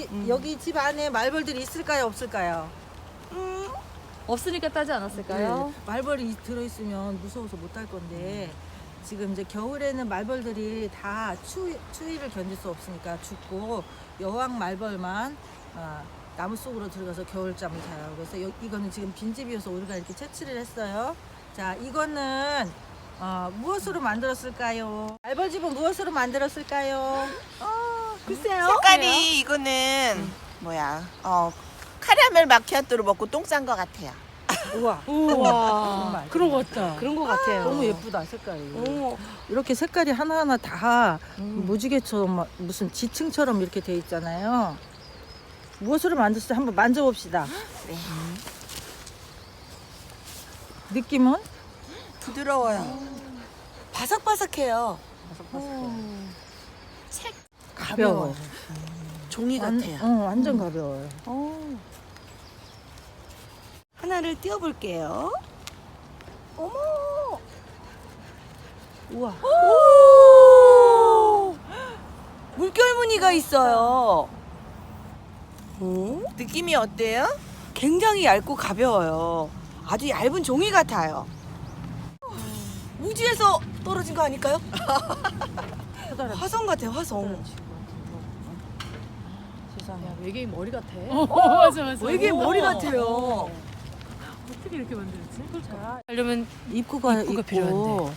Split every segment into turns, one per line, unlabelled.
여기 집 안에 말벌들이 있을까요, 없을까요?
없으니까 따지 않았을까요?
네, 말벌이 들어있으면 무서워서 못 할 건데 지금 이제 겨울에는 말벌들이 다 추위를 견딜 수 없으니까 죽고 여왕 말벌만 나무 속으로 들어가서 겨울잠을 자요. 그래서 이거는 지금 빈집이어서 우리가 이렇게 채취를 했어요. 자, 이거는 무엇으로 만들었을까요? 말벌집은 무엇으로 만들었을까요?
글쎄요.
색깔이 이거는 뭐야? 카라멜 마키아토로 먹고 똥 싼 것 같아요.
우와,
우와.
정말.
그런 것 같다.
그런 것 같아요.
너무 예쁘다 색깔이.
오.
이렇게 색깔이 하나하나 다 무지개처럼 막 무슨 지층처럼 이렇게 돼 있잖아요. 무엇으로 만들었을지 한번 만져봅시다.
네.
느낌은?
부드러워요. 바삭바삭해요.
가벼워요.
종이 같아요.
완전 가벼워요.
하나를 띄워볼게요. 어머!
우와.
오! 물결 무늬가 있어요. 느낌이 어때요? 굉장히 얇고 가벼워요. 아주 얇은 종이 같아요. 우주에서 떨어진 거 아닐까요? 화성 같아요, 화성.
세상에.
외계인 머리 같아.
맞아 맞아.
외계인 머리 같아요.
어떻게 이렇게 만들었지?
자,
하려면
입구가
입구가
있고
필요한데.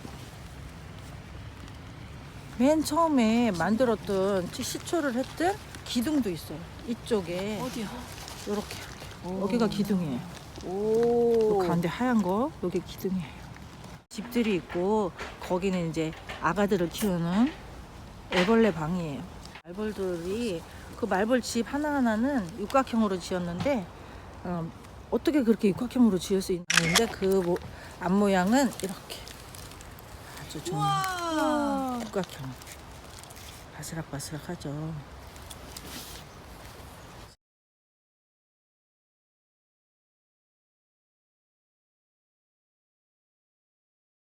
맨 처음에 만들었던 시초를 했던 기둥도 있어요. 이쪽에
어디요?
이렇게 여기가 기둥이에요.
오.
요 가운데 하얀 거 여기 기둥이에요. 집들이 있고 거기는 이제 아가들을 키우는 애벌레 방이에요. 말벌들이 그 말벌 집 하나하나는 육각형으로 지었는데 어떻게 그렇게 육각형으로 지을 수 있는데 그 앞모양은 이렇게 아주 좀
우와.
육각형 바스락바스락하죠.